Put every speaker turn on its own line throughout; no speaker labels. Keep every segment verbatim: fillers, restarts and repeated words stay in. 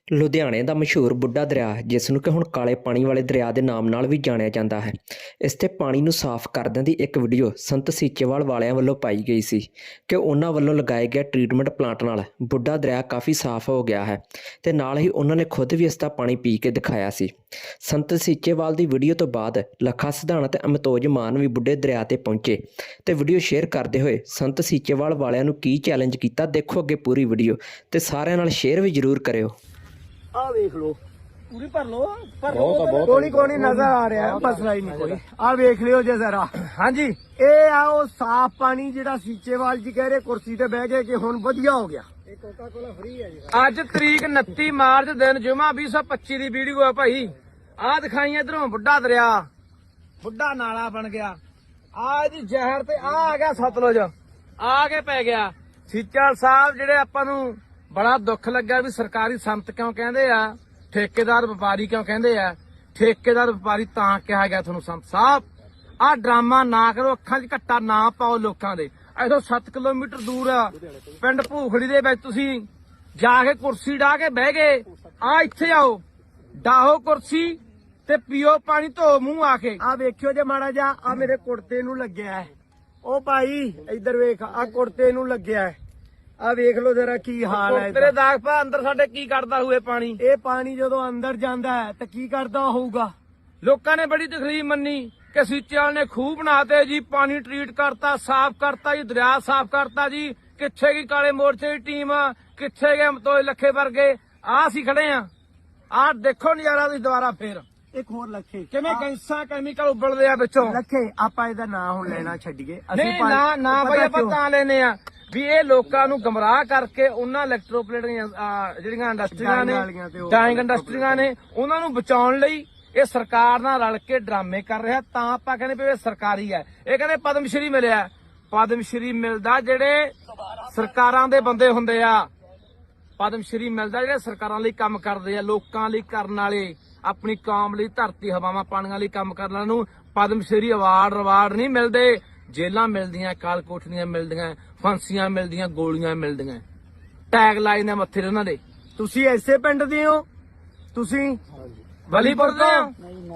ਲੁਧਿਆਣੇ ਦਾ ਮਸ਼ਹੂਰ ਬੁੱਢਾ ਦਰਿਆ, ਜਿਸ ਨੂੰ ਕਿ ਹੁਣ ਕਾਲੇ ਪਾਣੀ ਵਾਲੇ ਦਰਿਆ ਦੇ ਨਾਮ ਨਾਲ ਵੀ ਜਾਣਿਆ ਜਾਂਦਾ ਹੈ, ਇਸ 'ਤੇ ਪਾਣੀ ਨੂੰ ਸਾਫ਼ ਕਰਨ ਦੀ ਇੱਕ ਵੀਡੀਓ ਸੰਤ ਸੀਚੇਵਾਲ ਵਾਲਿਆਂ ਵੱਲੋਂ ਪਾਈ ਗਈ ਸੀ ਕਿ ਉਹਨਾਂ ਵੱਲੋਂ ਲਗਾਏ ਗਏ ਟਰੀਟਮੈਂਟ ਪਲਾਂਟ ਨਾਲ ਬੁੱਢਾ ਦਰਿਆ ਕਾਫੀ ਸਾਫ਼ ਹੋ ਗਿਆ ਹੈ ਤੇ ਨਾਲ ਹੀ ਉਹਨਾਂ ਨੇ ਖੁਦ ਵੀ ਇਸ ਦਾ ਪਾਣੀ ਪੀ ਕੇ ਦਿਖਾਇਆ ਸੀ। ਸੰਤ ਸੀਚੇਵਾਲ ਦੀ ਵੀਡੀਓ ਤੋਂ ਬਾਅਦ ਲੱਖਾ ਸਿਧਾਣਾ ਤੇ ਅਮਿਤੋਜ ਮਾਨ ਵੀ ਬੁੱਢੇ ਦਰਿਆ ਤੇ ਪਹੁੰਚੇ ਤੇ ਵੀਡੀਓ ਸ਼ੇਅਰ ਕਰਦੇ ਹੋਏ ਸੰਤ ਸੀਚੇਵਾਲ ਵਾਲਿਆਂ ਨੂੰ ਕੀ ਚੈਲੰਜ ਕੀਤਾ, ਦੇਖੋ ਅੱਗੇ ਪੂਰੀ ਵੀਡੀਓ ਤੇ ਸਾਰਿਆਂ ਨਾਲ ਸ਼ੇਅਰ ਵੀ ਜ਼ਰੂਰ ਕਰਿਓ।
आ देख लो
पूरी भर लो भर
कोनी कोनी नजर आ रहा है, मसला ही नहीं कोई। आ देख लियो जे जरा।
हाँ जी,
ए आओ साफ पानी जेड़ा सीचेवाल जी कह रहे कुर्सी ते बह गए कि हुण वधिया हो गया।
ਅੱਜ ਤਰੀਕ ਉਨੱਤੀ ਮਾਰਚ ਦਿਨ ਜੁਮਾ ਵੀਹ ਸੌ ਪੱਚੀ ਦੀ ਵੀਡੀਓ ਆ ਭਾਈ। ਆ ਦਿਖਾਈ ਇਧਰੋਂ ਬੁੱਢਾ ਦਰਿਆ, ਬੁੱਢਾ ਨਾਲਾ ਬਣ ਗਿਆ। ਆ ਇਹਦੀ ਜ਼ਹਿਰ ਤੇ ਆ ਆ ਗਿਆ ਸਤਲੁਜ, ਆ ਕੇ ਪੈ ਗਿਆ। ਸੀਚੇਵਾਲ ਸਾਹਿਬ ਜਿਹੜੇ ਆਪਾਂ ਨੂੰ ਬੜਾ ਦੁੱਖ ਲੱਗਾ ਵੀ ਸਰਕਾਰੀ ਸੰਤ ਕਿਉਂ ਕਹਿੰਦੇ ਆ, ਠੇਕੇਦਾਰ ਵਪਾਰੀ ਕਿਉਂ ਕਹਿੰਦੇ ਆ। ਠੇਕੇਦਾਰ ਵਪਾਰੀ ਤਾਂ ਕਿਹਾ ਗਿਆ ਤੁਹਾਨੂੰ ਸੰਤ ਸਾਹਿਬ, ਆਹ ਡਰਾਮਾ ਨਾ ਕਰੋ, ਅੱਖਾਂ 'ਚ ਘੱਟਾ ਨਾ ਪਾਓ ਲੋਕਾਂ ਦੇ। ਇੱਥੋਂ ਸੱਤ ਕਿਲੋਮੀਟਰ ਦੂਰ ਆ ਪਿੰਡ ਭੂਖੜੀ ਦੇ ਵਿੱਚ ਤੁਸੀਂ ਜਾ ਕੇ ਕੁਰਸੀ ਢਾ ਕੇ ਬਹਿ ਗਏ। ਆ ਇੱਥੇ ਆਓ, ਡਾਹੋ ਕੁਰਸੀ ਤੇ ਪੀਓ ਪਾਣੀ, ਧੋ ਮੂੰਹ ਆ ਕੇ।
आ वेखियो जे माड़ा जा आ मेरे कुर्ते नू लग्या है। ओ भाई इधर वेख, आ कुर्ते नू लग्या है। आ वेख लो जरा की हाल है
ਤੇਰੇ ਦਾਗ ਪਾ ਅੰਦਰ ਸਾਡੇ ਕੀ ਕਰਦਾ ਹੋਏ ਪਾਣੀ।
ਇਹ ਪਾਣੀ ਜਦੋਂ ਅੰਦਰ ਜਾਂਦਾ ਹੈ ਤਾਂ ਕੀ ਕਰਦਾ ਹੋਊਗਾ।
ਲੋਕਾਂ ਨੇ ਬੜੀ ਤਕਲੀਫ ਮੰਨੀ ਕਿ ਸੀਚੇਵਾਲ ਨੇ ਖੂਹ ਬਣਾਤੇ ਜੀ, ਪਾਣੀ ਟਰੀਟ ਕਰਤਾ, ਸਾਫ਼ ਕਰਤਾ ਜੀ, ਦਰਿਆ ਸਾਫ਼ ਕਰਤਾ ਜੀ। ਕਿੱਥੇ ਗਈ ਕਾਲੇ ਮੋਰਚੇ ਦੀ ਟੀਮ, ਕਿੱਥੇ ਗਏ ਅਮਿਤੋਜ ਲੱਖੇ ਵਰਗੇ। ਆ ਅਸੀਂ ਖੜੇ ਆ, ਆਹ ਦੇਖੋ ਨਜ਼ਾਰਾ ਤੁਸੀਂ ਦੁਬਾਰਾ ਫੇਰ
ਇੱਕ ਹੋਰ ਲੱਖੇ
ਕਿਵੇਂ ਗੈਸਾਂ ਕੈਮੀਕਲ ਉਬਲਦੇ ਆ ਵਿੱਚੋਂ।
ਲੱਖੇ ਆਪਾਂ ਇਹਦਾ ਨਾਂ ਹੁਣ ਲੈਣਾ ਛੱਡੀਏ।
ਨਹੀਂ ਨਾ ਨਾ
ਪਤਾ
ਬਈ ਆਪਾਂ
ਕਿਉਂ?
ਤਾਂ ਲੈਨੇ ਆ ਵੀ ਇਹ ਲੋਕਾਂ ਨੂੰ ਗਮਰਾਹ ਕਰਕੇ ਉਹਨਾਂ ਇਲੈਕਟ੍ਰੋਪਲੇਟ ਜਿਹੜੀਆਂ ਇੰਡਸਟਰੀਆਂ ਨੇ,
ਵਾਲੀਆਂ ਤੇ ਉਹ
ਡਾਇੰਗ ਇੰਡਸਟਰੀਆਂ ਨੇ, ਉਹਨਾਂ ਨੂੰ ਬਚਾਉਣ ਲਈ ਇਹ ਸਰਕਾਰ ਨਾਲ ਰਲ ਕੇ ਡਰਾਮੇ ਕਰ ਰਿਹਾ। ਤਾਂ ਆਪਾਂ ਕਹਿੰਦੇ ਵੀ ਇਹ ਸਰਕਾਰੀ ਹੈ। ਇਹ ਕਹਿੰਦੇ ਪਦਮ ਸ਼੍ਰੀ ਮਿਲਿਆ। ਪਦਮ ਸ਼੍ਰੀ ਮਿਲਦਾ ਜਿਹੜੇ ਸਰਕਾਰਾਂ ਦੇ ਬੰਦੇ ਹੁੰਦੇ ਆ, ਪਦਮ ਸ਼੍ਰੀ ਮਿਲਦਾ ਜਿਹੜੇ ਸਰਕਾਰਾਂ ਲਈ ਕੰਮ ਕਰਦੇ ਆ, ਲੋਕਾਂ ਲਈ ਕਰਨ ਵਾਲੇ, ਆਪਣੀ ਕੌਮ ਲਈ, ਧਰਤੀ ਹਵਾਵਾਂ ਪਾਣੀਆਂ ਲਈ ਕੰਮ ਕਰਨ ਵਾਲਿਆਂ ਨੂੰ ਪਦਮ ਸ਼੍ਰੀ ਅਵਾਰਡ ਰਵਾਰਡ ਨਹੀਂ ਮਿਲਦੇ। ਜੇਲਾਂ ਮਿਲਦੀਆਂ, ਕਾਲ ਕੋਠੀਆਂ ਮਿਲਦੀਆਂ, ਫਾਂਸੀਆਂ ਮਿਲਦੀਆਂ, ਗੋਲੀਆਂ ਮਿਲਦੀਆਂ, ਟੈਗ ਲਾਏ ਨੇ ਮੱਥੇ ਤੇ ਉਹਨਾਂ ਦੇ।
ਤੁਸੀਂ ਐਸੇ ਪਿੰਡ ਦੇ ਹੋ? ਤੁਸੀਂ
ਵਲੀਪੁਰ ਦੇ ਆ।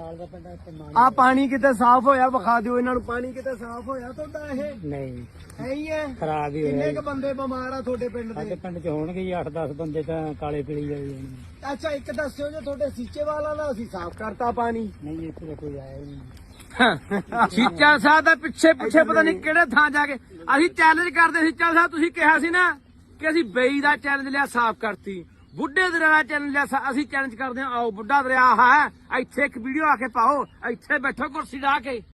ਆ ਪਾਣੀ ਕਿਤੇ ਸਾਫ਼ ਹੋਇਆ? ਵਿਖਾ ਦਿਓ ਇਹਨਾਂ ਨੂੰ ਪਾਣੀ ਕਿਤੇ ਸਾਫ਼ ਹੋਇਆ ਤੁਹਾਡਾ। ਇਹ
ਨਹੀਂ
ਹੈ ਹੀ ਹੈ,
ਖਰਾਬ ਹੀ
ਕਿੰਨੇ
ਹੋਇਆ
ਕ ਬੰਦੇ ਬਿਮਾਰ ਆ ਤੁਹਾਡੇ ਪਿੰਡ
ਸਾਡੇ
ਦੇ?
ਪਿੰਡ ਚ ਹੋਣਗੇ ਜੀ ਅੱਠ ਦਸ ਬੰਦੇ ਤਾਂ ਕਾਲੇ ਪੀਲੀ ਜਾਈ ਜਾਣਗੇ।
ਅੱਛਾ ਇੱਕ ਦੱਸਿਓ ਜੇ ਤੁਹਾਡੇ ਸੀਚੇਵਾਲ ਦਾ ਅਸੀਂ ਸਾਫ਼ ਕਰਤਾ ਪਾਣੀ।
ਨਹੀਂ ਇੱਥੇ ਤਾਂ ਕੋਈ ਆਇਆ ਹੀ ਨਹੀਂ।
ਸੀਚੇਵਾਲ ਸਾਹਿਬ ਦਾ ਪਿੱਛੇ ਪਿੱਛੇ ਪਤਾ ਨਹੀਂ ਕਿਹੜੇ ਥਾਂ ਜਾ ਕੇ ਅਸੀਂ ਚੈਲੰਜ ਕਰਦੇ। ਸੀਚੇਵਾਲ ਸਾਹਿਬ ਤੁਸੀਂ ਕਿਹਾ ਸੀ ਨਾ ਕਿ ਅਸੀਂ ਬੇਈ ਦਾ ਚੈਲੰਜ ਲਿਆ, ਸਾਫ਼ ਕਰਤੀ। ਬੁੱਢੇ ਦਰਿਆ ਦਾ ਚੈਲੰਜ ਲਿਆ, ਅਸੀਂ ਚੈਲੰਜ ਕਰਦੇ ਹਾਂ। ਆਓ ਬੁੱਢਾ ਦਰਿਆ ਹੈ, ਇੱਥੇ ਇੱਕ ਵੀਡੀਓ ਆ ਕੇ ਪਾਓ, ਇੱਥੇ ਬੈਠੋ ਕੁਰਸੀ ਢਾ ਕੇ।